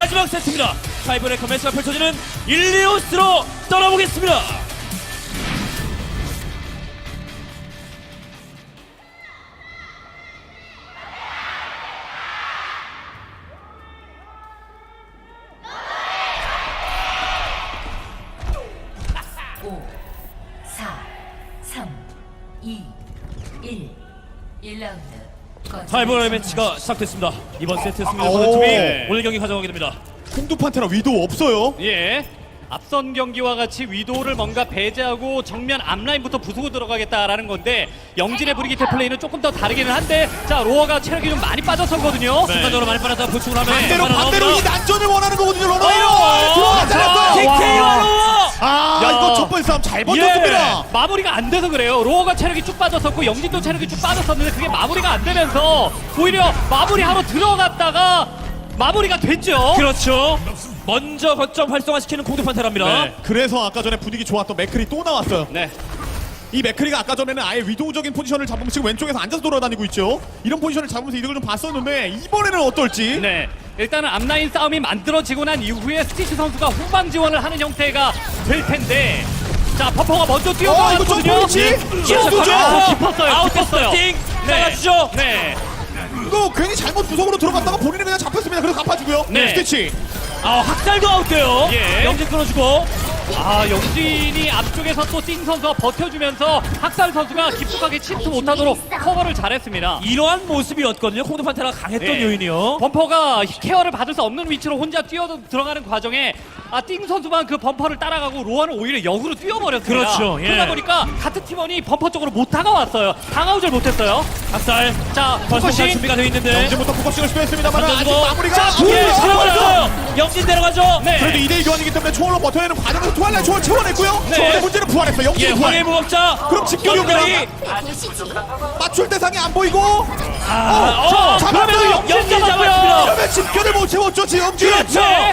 마지막 세트입니다. 타이브레이커 매치가 펼쳐지는 1-2호스로 떠나보겠습니다. 오, 4, 3, 2, 1. 1라운드. 타이브레이커 매치가 시작됐습니다. 이번 세트 승리를 오. 거둔 팀이 네. 오늘 경기 가져가게 됩니다. 콩두 판테라 위도 없어요. 예. 앞선 경기와 같이 위도우를 뭔가 배제하고 정면 앞라인부터 부수고 들어가겠다라는 건데 영진의 브리기테 플레이는 조금 더 다르기는 한데 자 로어가 체력이 좀 많이 빠졌었거든요. 순간적으로 많이 빠졌다 보충을 하면 반대로 이 난전을 원하는 거거든요. 어! 로너웨이로 잘했어요. TK와 로어! 아 야. 이거 첫 번째 싸움 잘 버텼습니다. 마무리가 안 돼서 그래요. 로어가 체력이 쭉 빠졌었고 영진도 체력이 쭉 빠졌었는데 그게 마무리가 안 되면서 오히려 마무리하러 들어갔다가 마무리가 됐죠. 그렇죠. 먼저 거점 활성화시키는 공격 판테라입니다. 네. 그래서 아까 전에 분위기 좋았던 맥클이 또 나왔어요. 네. 이 맥클리가 아까 전에는 아예 위도우적인 포지션을 잡으면 지금 왼쪽에서 앉아서 돌아다니고 있죠. 이런 포지션을 잡으면서 이득을 좀 봤었는데 이번에는 어떨지. 네. 일단은 앞라인 싸움이 만들어지고 난 이후에 스티치 선수가 후방 지원을 하는 형태가 될 텐데 자 버퍼가 먼저 이거 뛰어들어갔거든요. 점프위치? 아, 깊었어요. 아웃포스팅 네. 잘라주죠. 네. 이거 괜히 잘못 구석으로 들어갔다가 본인은 그냥 잡혔습니다. 그래서 갚아주고요. 네. 스티치. 학살도 아웃돼요. 예. 영진 끊어주고. 영진이 앞쪽에서 또 띵 선수가 버텨주면서 학살 선수가 깊숙하게 침투 못하도록 커버를 잘했습니다. 이러한 모습이었거든요. 콩드 판테라가 강했던 네. 요인이요. 범퍼가 케어를 받을 수 없는 위치로 혼자 뛰어 들어가는 과정에 띵 선수만 그 범퍼를 따라가고 로아는 오히려 역으로 뛰어버렸습니다. 그렇죠, 예. 그러다 보니까 같은 팀원이 범퍼 쪽으로 못 다가왔어요. 다가오질 못했어요. 학살. 자, 벌써 포커싱. 준비가 되어 있는데. 영진부터 포커싱을 시도했습니다만 아직 던져주고. 마무리가 자, 안 예, 돼요. 들어가요. 영진 내려가죠. 네. 그래도 2대2 교환이기 때문에 초월로 버텨야 하는 과정에서 투할라 초월 채워냈고요. 네. 초월의 문제는 부활했어. 예, 영진이 황해 부활. 무법자. 그럼 집결이 영진이. 맞출 대상이 안 보이고 그러면 영진 잡았습니다. 그러면 집결을 못 채웠죠. 지금 영진. 그렇죠. 네.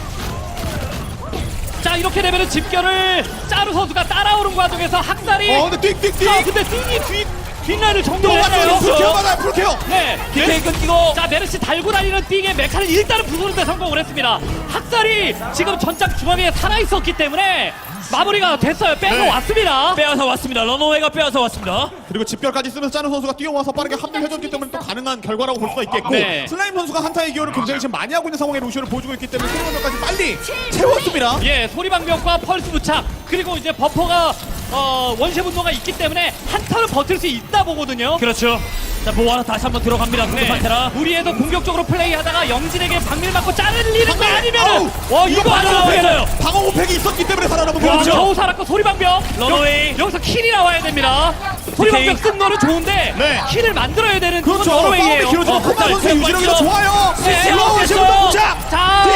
자, 이렇게 되면은 집결을 짜루 선수가 따라오는 과정에서 학살이 근데 띡띡띡. 근데 띵이 뒷라인을 또 정리했어요. 맞춰요. 풀케어 받아요. 풀케어. 네. 디테일 끊기고. 자, 메르시 달고 다니는 띵의 메카를 일단은 부수는데 성공을 했습니다. 학살이 지금 전장 중앙에 살아있었기 때문에 마무리가 됐어요. 빼서 네. 왔습니다. 빼앗아 왔습니다. 러너웨이가 빼앗아 왔습니다. 그리고 집결까지 쓰면서 짜는 선수가 뛰어와서 빠르게 합류해줬기 때문에 또 가능한 결과라고 볼 수가 있겠고 네. 슬라임 선수가 한타의 기여를 굉장히 지금 많이 하고 있는 상황에 루시오를 보여주고 있기 때문에 승리까지 빨리 채웠습니다. 예, 소리방벽과 펄스 부착 그리고 이제 버퍼가 원시 분노가 있기 때문에 한 턴은 버틸 수 있다 보거든요. 그렇죠. 자, 보아라 다시 한번 들어갑니다. 공격 판테라. 무리해서 공격적으로 플레이하다가 영진에게 박밀 맞고 자르리는 거 아우, 아니면은 이거 안 방어 나와요. 오팩 방어 오팩이 있었기 때문에 살아남은 야, 거죠. 겨우 살았고 소리방벽 러너웨이. 여기서 킬이 나와야 됩니다. 소리방벽 쓴 거는 좋은데 네. 킬을 만들어야 되는 그건 그렇죠. 싸움이 러너웨이예요. 길어지고 어, 코마 선수의 자, 유지력이 자, 좋아요. 네, 러너웨이 됐어요. 지금 동작.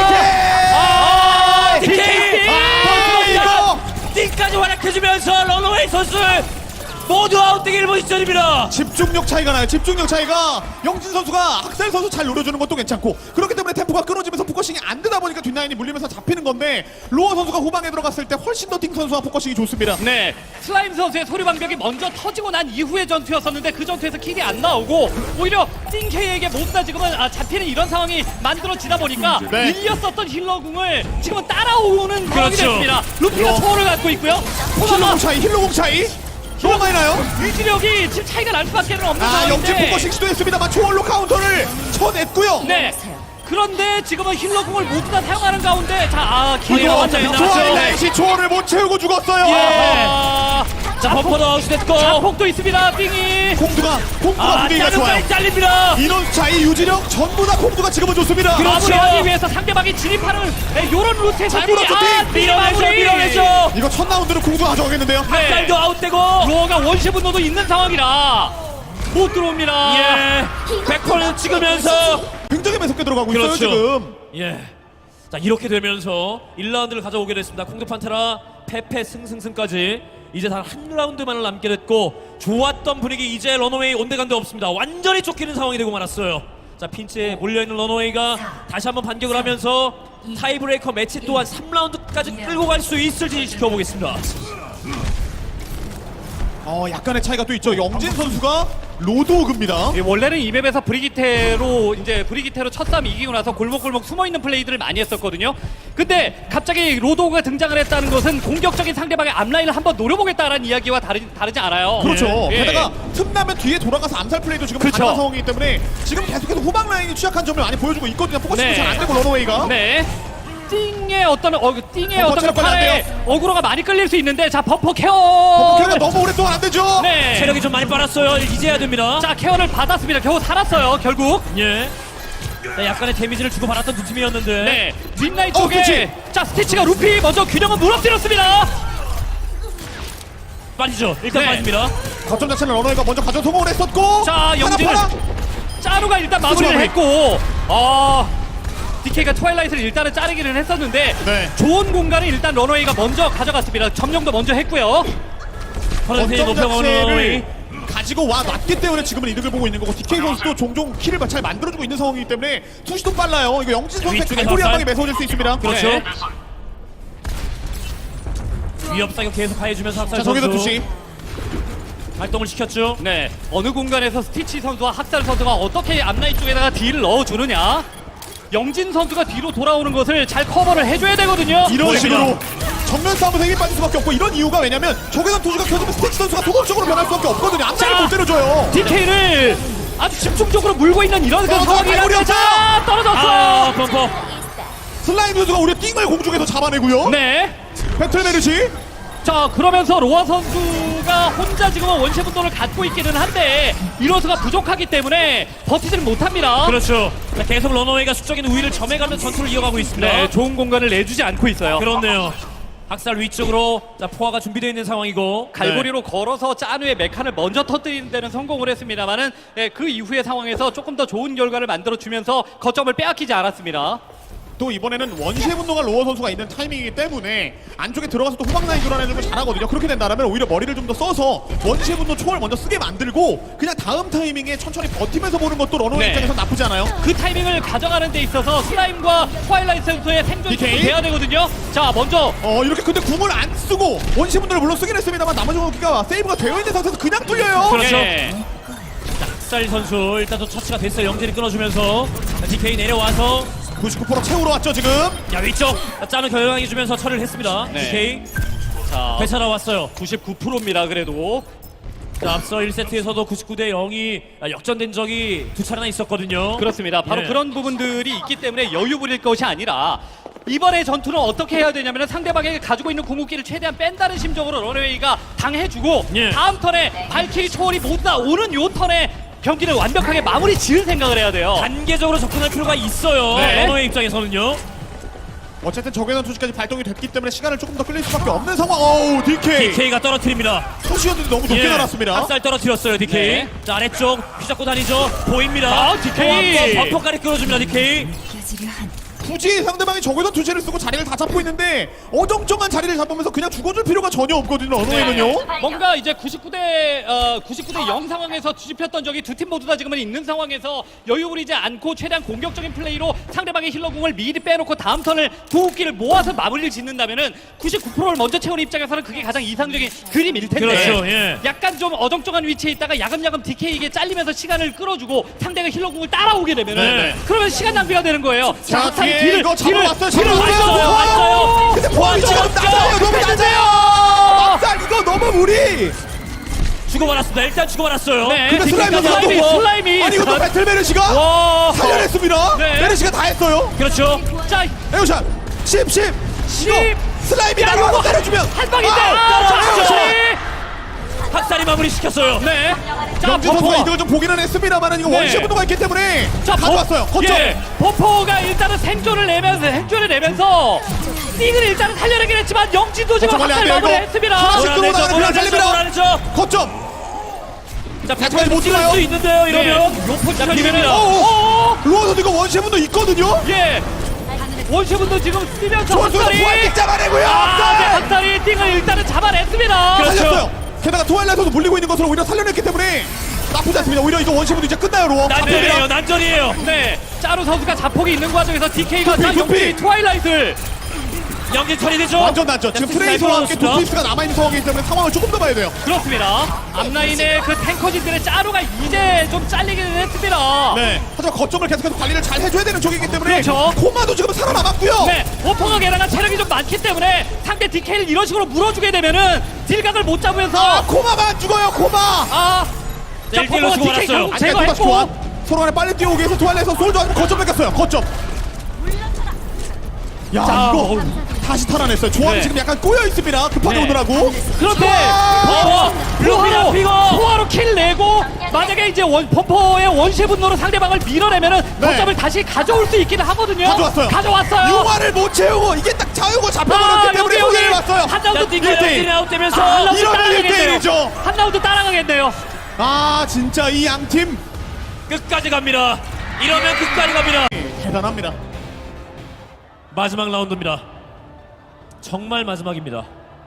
자, DK. 이거 띵까지 활약해주면서 러너웨이 선수 모두 아웃되기를 본 시절입니다. 집중력 차이가 나요. 집중력 차이가 영진 선수가 학살 선수 잘 노려주는 것도 괜찮고 그렇기 때문에 템포가 끊어지면서 포커싱이 안 되다 보니까 뒷라인이 물리면서 잡히는 건데 로어 선수가 후방에 들어갔을 때 훨씬 더 띵 선수와 포커싱이 좋습니다. 네, 슬라임 선수의 소리방벽이 먼저 터지고 난 이후의 전투였었는데 그 전투에서 킬이 안 나오고 오히려 띵케이에게 몹다 지금은 잡히는 이런 상황이 만들어지다 보니까 네. 밀렸었던 힐러궁을 지금은 따라오는 상황이 그렇죠. 됐습니다. 루피가 힐러. 초월을 갖고 있고요. 힐로공 차이 너무 많이 나요. 유지력이 지금 차이가 날 수밖에 없는 영진 상황인데 포커싱 시도했습니다만 초월로 카운터를 쳐냈고요. 네, 그런데 지금은 힐러궁을 모두 다 사용하는 가운데 킬이 이거 나왔네요. 완전히 조합 나왔죠. 날씨 초월을 못 채우고 죽었어요. 자, 버퍼도 아웃됐고. 자폭도 있습니다. 띵이 콩두가 분위기가 좋아요. 짜루까지 잘립니다. 인원 차이 유지력 전부 다 콩두가 지금은 좋습니다. 그렇죠. 마무리하기 위해서 상대방이 진입하는 이런 루트에서 잘 물었죠, 띵. 밀어내죠, 밀어내죠. 이거 첫 라운드는 콩두가 가져가겠는데요. 네. 쌀도 아웃되고. 로어가 원시 분노도 있는 상황이라 못 들어옵니다. 예. 100% 찍으면서. 굉장히 매섭게 들어가고 있어요 그렇죠. 지금. 예. 자, 이렇게 되면서 1라운드를 가져오게 됐습니다. 콩드 판테라 패패 승승승까지 이제 단 한 라운드만을 남게 됐고 좋았던 분위기 이제 러너웨이 온데간데 없습니다. 완전히 쫓기는 상황이 되고 말았어요. 자, 핀치에 몰려있는 러너웨이가 다시 한번 반격을 하면서 타이브레이커 매치 또한 3라운드까지 끌고 갈 수 있을지 지켜보겠습니다. 약간의 차이가 또 있죠. 영진 선수가 로드오그입니다. 예, 원래는 이 맵에서 브리기테로 첫 싸움 이기고 나서 골목골목 숨어있는 플레이들을 많이 했었거든요. 근데 갑자기 로드오그가 등장을 했다는 것은 공격적인 상대방의 앞라인을 한번 노려보겠다라는 이야기와 다르지 않아요. 그렇죠. 예. 게다가 틈나면 뒤에 돌아가서 암살 플레이도 지금 그렇죠. 가능한 상황이기 때문에 지금 계속해서 후방 라인이 취약한 점을 많이 보여주고 있거든요. 포커싱도 네. 잘 안 되고 런어웨이가. 네. 띵의 어떤 체력 관리 안 팔에 돼요. 어그로가 많이 끌릴 수 있는데 자 버퍼 케어. 캐리가 너무 오랫동안 안 되죠. 네. 체력이 좀 많이 빨았어요. 이제 해야 됩니다. 자 케어를 받았습니다. 겨우 살았어요. 결국. 예. 자, 약간의 데미지를 주고 받았던 두 팀이었는데. 네. 뒷라인 어, 쪽에 그치. 자 스티치가 루피 먼저 균형을 무너뜨렸습니다. 빠지죠. 일단 네. 빠집니다. 거점 자체는 런어웨이가 먼저 가져 성공을 했었고. 자 영진은 하나 짜루가 일단 마무리를 마무리. 했고 DK가 트와일라이트를 일단은 자르기는 했었는데 네. 좋은 공간을 일단 런웨이가 먼저 가져갔습니다. 점령도 먼저 했고요. 퍼센테이지 거점 높여가는 자체를 가지고 와 놨기 때문에 지금은 이득을 보고 있는 거고 DK 선수도 종종 킬을 잘 만들어주고 있는 상황이기 때문에 투시도 빨라요. 이거 영진 선수의 위쪽에 갈고리 한 박살. 방에 매서워질 수 있습니다. 그렇죠. 네. 위협 사격 계속 가해주면서 학살 자, 저기도 선수 투시. 활동을 시켰죠. 네, 어느 공간에서 스티치 선수와 학살 선수가 어떻게 앞라인 쪽에다가 딜을 넣어주느냐. 영진 선수가 뒤로 돌아오는 것을 잘 커버를 해줘야 되거든요. 이런 보입니다. 식으로 정면 싸움에서 힘이 빠질 수밖에 없고 이런 이유가 왜냐면 적외선 투수가 켜지면 스티치 선수가 도덕적으로 변할 수밖에 없거든요. 앞라인을 자. 못 때려줘요. DK를 아주 집중적으로 물고 있는 이런 그 떨어져, 상황이라면 갈고리 자 떨어졌어요. 아, 벙커. 슬라임 선수가 우리 띵을 공중에서 잡아내고요. 네. 배틀메르시. 자 그러면서 로아 선수가 혼자 지금은 원시 분도를 갖고 있기는 한데 이로수가 부족하기 때문에 버티지는 못합니다. 그렇죠. 자, 계속 런어웨이가 수적인 우위를 점해가는 전투를 이어가고 있습니다. 네, 좋은 공간을 내주지 않고 있어요. 그렇네요. 학살 위쪽으로 자 포화가 준비되어 있는 상황이고 갈고리로 걸어서 짜누의 메칸을 먼저 터뜨리는 데는 성공을 했습니다만은 그 이후의 상황에서 조금 더 좋은 결과를 만들어주면서 거점을 빼앗기지 않았습니다. 또 이번에는 원시의 분노가 로어 선수가 있는 타이밍이기 때문에 안쪽에 들어가서 또 후방 라인 교란해주는 걸 잘하거든요. 그렇게 된다면 오히려 머리를 좀 더 써서 원시의 분노 초월 먼저 쓰게 만들고 그냥 다음 타이밍에 천천히 버티면서 보는 것도 런어웨이 네. 입장에서 나쁘지 않아요. 그 타이밍을 가져가는 데 있어서 슬라임과 트와일라이트 선수의 생존이 DK? 돼야 되거든요. 자 먼저 이렇게 근데 궁을 안 쓰고 원시의 분노를 물론 쓰긴 했습니다만 나머지 공기가 세이브가 되어 있는 상태에서 그냥 뚫려요. 그렇죠. 예. 학살 선수 일단 또 처치가 됐어요. 영진이 끊어주면서 자, DK 내려와서 99% 채우러 왔죠 지금. 야 위쪽 짜는 결정해주면서 처리를 했습니다. 네. DK 자 되살아왔어요. 99%입니다. 그래도 자, 앞서 1세트에서도 99대 0이 역전된 적이 두 차례나 있었거든요. 그렇습니다. 바로 예. 그런 부분들이 있기 때문에 여유 부릴 것이 아니라 이번의 전투는 어떻게 해야 되냐면 상대방에게 가지고 있는 궁극기를 최대한 뺀다는 심정으로 런웨이가 당해주고 예. 다음 턴에 발키리 초월이 모두 다 오는 요 턴에 경기를 완벽하게 마무리 지을 생각을 해야 돼요. 단계적으로 접근할 필요가 있어요. 네. 러너의 입장에서는요. 어쨌든 적외선 투시까지 발동이 됐기 때문에 시간을 조금 더 끌릴 수밖에 없는 상황. 어우 DK. DK가 떨어뜨립니다. 투시였는데 너무 높게 날았습니다. 학살 떨어뜨렸어요, DK. 네. 자, 아래쪽 휘잡고 다니죠. 보입니다. 아, DK. 또 한번 버퍼까지 끌어줍니다, DK. 굳이 상대방이 적외선 투시를 쓰고 자리를 다 잡고 있는데 어정쩡한 자리를 잡으면서 그냥 죽어줄 필요가 전혀 없거든요. 런어웨이는요. 뭔가 이제 99대 0 상황에서 뒤집혔던 적이 두 팀 모두 다 지금은 있는 상황에서 여유 부리지 않고 최대한 공격적인 플레이로 상대방의 힐러궁을 미리 빼놓고 다음 턴을 궁극기를 모아서 마무리를 짓는다면은 99%를 먼저 채우는 입장에서는 그게 가장 이상적인 그림일 텐데 그렇죠, 예. 약간 좀 어정쩡한 위치에 있다가 야금야금 DK에게 잘리면서 시간을 끌어주고 상대가 힐러궁을 따라오게 되면은 네. 그러면 시간 낭비가 되는 거예요. 자, 뒤에 딜을- 이거 딜을- 잡아왔어요. 딜을 잡아왔어요. 왔어요. 근데 포함 위치가 너무 낮아요. 너무 낮아요. 막살 이거 너무 무리. 주고받았습니다. 일단 주고받았어요. 네. 근데 슬라임이 슬라임이, 또 슬라임이. 아니 이것도 배틀메르시가 와. 살려냈습니다. 네. 메르시가 다 했어요. 그렇죠. 자, 에어샷 10. 이거 슬라임이 야, 나가서 이거 때려주면 한 방인데. 떨어졌죠. 학살이 마무리 시켰어요. 네. 자, 영진 선수가 버퍼. 이득을 좀 보기는 했습니다만 이거 네. 원시 분노가 있기 때문에 자, 가져왔어요. 거점. 예, 버퍼가 일단은 생존을 내면서 띵을 일단은 살려내긴 했지만 영진도 지금 거점 관리 안 학살 돼요, 이거. 마무리했습니다. 하나씩 몰아내죠, 들어오다가 그냥 몰아내죠, 잘립니다. 몰아내죠. 거점. 자, 백까지 못 찍을 들어요. 수 있는데요, 네. 이러면. 요 포지션이면은 오. 로어도 이거 원시 분노 있거든요. 예. 원시분도 지금 뛰면서 조선수가 학살이 부활킥 잡아내고요. 네, 학살. 학살이 띵을 일단은 잡아냈습니다. 그렇죠. 살렸어요. 게다가 트와일라이트도 물리고 있는 것으로 오히려 살려냈기 때문에 나쁘지 않습니다. 오히려 이거 원시 분노 이제 끝나요, 로어. 난전이에요, 잡힙니다. 난전이에요. 네, 짜루 선수가 자폭이 있는 과정에서 DK가 두피, 자 두피. 영빈이 트와일라이트를 영진 처리되죠. 완전 난죠. 지금 트레이서와 함께 도트리스가 남아있는 상황이기 때문에 상황을 조금 더 봐야 돼요. 그렇습니다. 앞라인의 그 탱커진들의 짜루가 이제 좀 잘리기는 했습니다. 네. 하지만 거점을 계속해서 관리를 잘 해줘야 되는 쪽이기 때문에 그렇죠. 코마도 지금 살아남았고요. 네, 오퍼가 게다가 체력이 좀 많기 때문에 상대 DK를 이런 식으로 물어주게 되면은 딜각을 못 잡으면서 아, 코마가 안 죽어요. 코마. 자, 네, 일대일로 포퍼가 주고 DK 말았어요. 결국 안돼 또다시 제거했고 교환. 서로 간에 빨리 뛰어오기 위해서 투알에서 솔저 아니면 거점 뺏겼어요. 거점. 야 자, 이거 다시 탈환했어요. 조합이 네. 지금 약간 꼬여 있습니다. 급하게 네. 오느라고. 그런데 아! 블루피가 피고 포화로 킬 내고 만약에 이제 범퍼의 원시 분노로 상대방을 밀어내면은 네. 거점을 다시 가져올 수 있기는 하거든요. 가져왔어요. 가져왔어요. 융화를 못 채우고 이게 딱 자유고 잡혀버렸기 때문에 여기 손해를 봤어요. 한 라운드 자, 띵거요. 1대1. 1대1 아웃되면서 한 라운드 이러면 따라가겠네요. 1대1이죠. 한 라운드 따라가겠네요. 아 진짜 이 양팀 끝까지 갑니다. 이러면 끝까지 갑니다. 대단합니다. 마지막 라운드입니다. 정말 마지막입니다.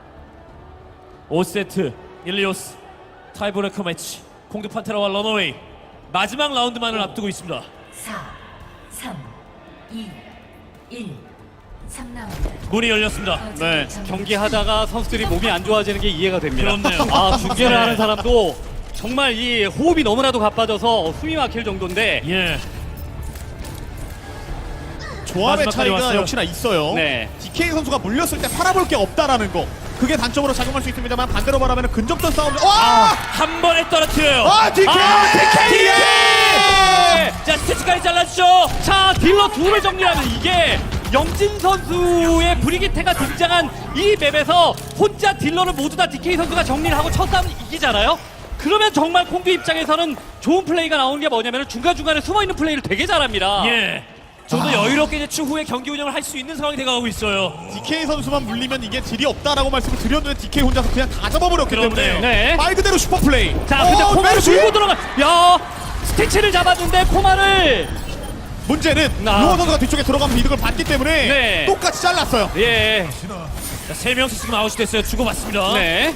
5세트 일리오스 타이브레이커 매치 공드 판테라와 런어웨이 마지막 라운드만을 앞두고 있습니다. 4, 3, 2, 1. 3라운드. 문이 열렸습니다. 네. 경기하다가 선수들이 몸이 안 좋아지는 게 이해가 됩니다. 그렇네요. 아, 중계를 네. 하는 사람도 정말 이 호흡이 너무나도 가빠져서 숨이 막힐 정도인데 예. 조합의 마지막까지 차이가 왔어요. 역시나 있어요. 네. DK 선수가 물렸을 때 팔아볼 게 없다라는 거. 그게 단점으로 작용할 수 있습니다만 반대로 말하면 근접전 싸움. 와! 한 번에 떨어뜨려요. DK! DK! 자, 스태츠까지 잘라주죠. 자, 딜러 둘을 정리하면 이게 영진 선수의 브리기테가 등장한 이 맵에서 혼자 딜러를 모두 다 DK 선수가 정리를 하고 첫 싸움 이기잖아요? 그러면 정말 콩두 입장에서는 좋은 플레이가 나오는 게 뭐냐면 중간중간에 숨어있는 플레이를 되게 잘합니다. 예. 좀 더 여유롭게 이제 추후에 경기 운영을 할 수 있는 상황이 돼가고 있어요. DK 선수만 물리면 이게 딜이 없다라고 말씀을 드렸는데 DK 혼자서 그냥 다 잡아버렸기 그렇네요. 때문에 네. 말 그대로 슈퍼플레이. 자, 근데 코마를 메르시! 들고 들어가. 야, 스티치를 잡아준데 코마를. 문제는 나. 루어 선수가 뒤쪽에 들어가면 이득을 받기 때문에 네. 똑같이 잘랐어요. 예. 자, 3명씩 지금 아웃이 됐어요. 주고받습니다. 네.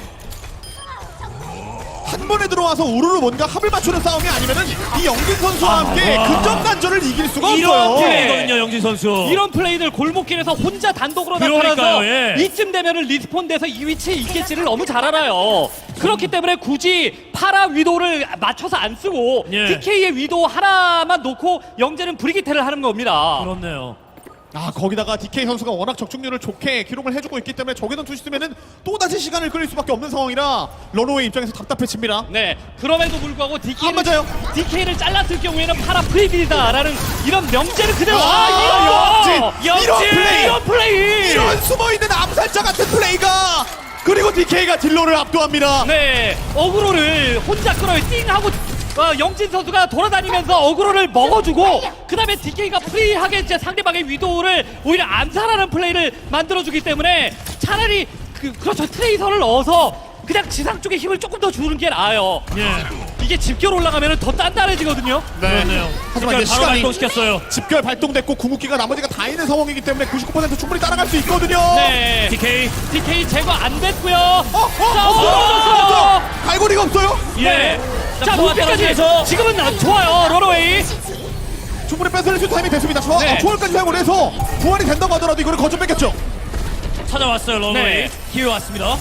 한 번에 들어와서 우르르 뭔가 합을 맞추는 싸움이 아니면은 이 영진 선수와 함께 와. 근접 단전을 이길 수가 이런 없어요. 플레이거든요, 영진 선수. 이런 플레이들 골목길에서 혼자 단독으로 그러니까요, 나타나서 예. 이쯤 되면은 리스폰돼서 이 위치에 있겠지를 너무 잘 알아요. 그렇기 때문에 굳이 파라 위도를 맞춰서 안 쓰고 예. DK의 위도 하나만 놓고 영재는 브리기테를 하는 겁니다. 그렇네요. 아 거기다가 DK 선수가 워낙 적중률을 좋게 기록을 해주고 있기 때문에 적외선 투시 쓰면은 또다시 시간을 끌릴 수밖에 없는 상황이라 런어웨이 입장에서 답답해집니다. 네, 그럼에도 불구하고 안 맞아요. DK를 잘랐을 경우에는 파라 프리빌이다라는 이런 명제를 그대로 영진! 이런 플레이! 이런 플레이 이런 숨어있는 암살자 같은 플레이가 그리고 DK가 딜러를 압도합니다. 네, 어그로를 혼자 끌어요. 띵 하고 영진 선수가 돌아다니면서 어그로를 먹어주고 그 다음에 DK가 프리하게 이제 상대방의 위도를 오히려 암살하는 플레이를 만들어주기 때문에 차라리 그렇죠, 트레이서를 넣어서 그냥 지상 쪽에 힘을 조금 더 주는 게 나아요. 예. 이게 집결 올라가면 더 단단해지거든요. 그렇네요. 하지만 이제 바로 시간이 발동시켰어요. 집결 발동됐고 궁극기가 나머지가 다 있는 상황이기 때문에 99% 충분히 따라갈 수 있거든요. 네, DK. DK 제거 안 됐고요. 자, 어, 갈고리가 없어요? 예. 자, 포화 무비까지 떨어지면서 지금은 좋아요, 런어웨이. 충분히 뺏어낼 수 있는 타이밍이 됐습니다. 네. 초월까지 사용을 해서 부활이 된다고 하더라도 이거를 거점 뺏겼죠. 찾아왔어요, 런어웨이. 네. 기회 왔습니다.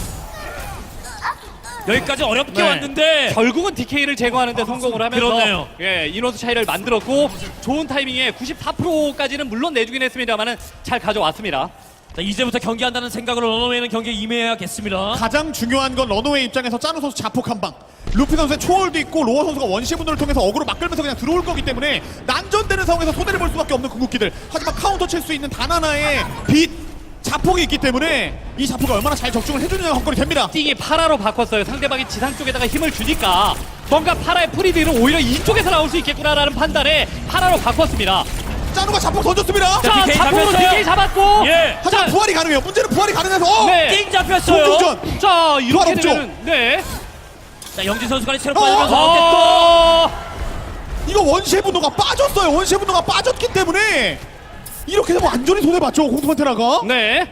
여기까지 어렵게 네. 왔는데 결국은 DK를 제거하는데 성공을 하면서 그렇네요. 예, 인원수 차이를 만들었고 좋은 타이밍에 94%까지는 물론 내주긴 했습니다만은 잘 가져왔습니다. 자, 이제부터 경기한다는 생각으로 런어웨이는 경기에 임해야겠습니다. 가장 중요한 건 런어웨이 입장에서 짜누 선수 자폭 한 방. 루피 선수의 초월도 있고 로어 선수가 원시 분노를 통해서 어그로 막 끌면서 그냥 들어올 거기 때문에 난전되는 상황에서 손해를 볼 수밖에 없는 궁극기들. 하지만 카운터 칠 수 있는 단 하나의 빛 자폭이 있기 때문에 이 자폭이 얼마나 잘 적중을 해주느냐가 관건이 됩니다. 띵이 파라로 바꿨어요. 상대방이 지상 쪽에다가 힘을 주니까 뭔가 파라의 프리딜은 오히려 이쪽에서 나올 수 있겠구나라는 판단에 파라로 바꿨습니다. 짜누가 자폭 던졌습니다. 자, 자, DK 자폭으로 잡혔어요. DK 잡았고 예. 하지만 자, 부활이 가능해요. 문제는 부활이 가능해서 네. 띵 잡혔어요. 공중전. 자, 이렇게 부활 없죠? 되면은 네. 자, 영진 선수가 체력 빠지면서 아웃됐고 어, 이거 원시의 분노가 빠졌어요. 원시의 분노가 빠졌기 때문에 이렇게 되면 완전히 손해봤죠. 공투판테라가. 네.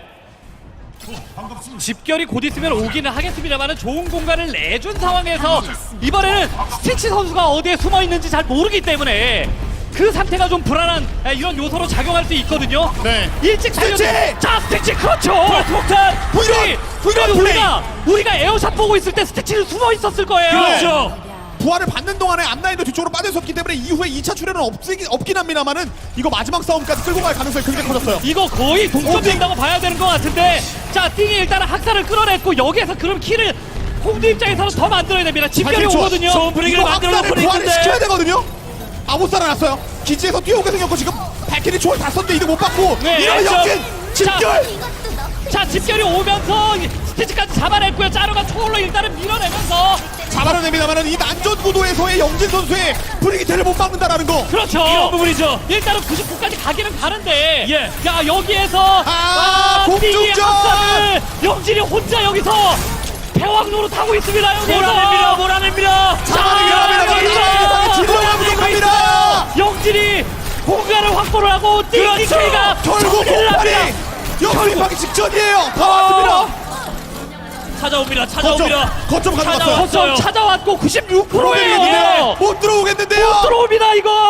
집결이 곧 있으면 오기는 하겠습니다만 좋은 공간을 내준 상황에서 이번에는 스티치 선수가 어디에 숨어 있는지 잘 모르기 때문에 그 상태가 좀 불안한 이런 요소로 작용할 수 있거든요. 네. 일찍 살려. 스티치! 자, 스티치 그렇죠. 폭탄. 후이런 플레이. 우리가 에어샷 보고 있을 때 스티치는 숨어 있었을 거예요. 그렇죠. 부활을 받는 동안에 앞라인도 뒤쪽으로 빠져있었기 때문에 이후에 2차 출혈은 없긴 합니다만은 이거 마지막 싸움까지 끌고 갈 가능성이 굉장히 커졌어요. 이거 거의 동점된다고 봐야 되는 것 같은데, 자, 띵이 일단은 학살을 끌어냈고 여기에서 그럼 키를 홍두 입장에서는 더 만들어야 됩니다. 집결이 사실 오거든요. 좋은 분위기를 이거 만들어 악사를 놓고 부활을 시켜야 있는데. 되거든요. 아못 살아났어요. 기지에서 뛰어오게 생겼고 지금 발키리 초월 다 썼는데 이득 못 받고 네, 이러면 그렇죠. 역진 집결. 자, 집결이 오면서 스티치까지 잡아냈고요. 짜루가 초월로 일단은 밀어내면서 잡아내냅니다만은 이 난전 구도에서의 영진 선수의 브리기테를 못 막는다라는 거. 그렇죠. 이런 부분이죠. 일단은 99까지 가기는 가는데, 예. 야, 여기에서 띵이의 공중전! 학살을 영진이 혼자 여기서 패왕 노릇하고 있습니다. 여기서 몰아냅니다. 잡아내기 지도가 부족합니다. 영진이 공간을 확보를 하고 띵이가 결국 공팔이 역습하기 직전이에요. 다 왔습니다. 찾아옵니다. 거점 가져갔어요. 거점 찾아왔고 96%예요. 못 들어오겠는데요. 못 들어옵니다 이거.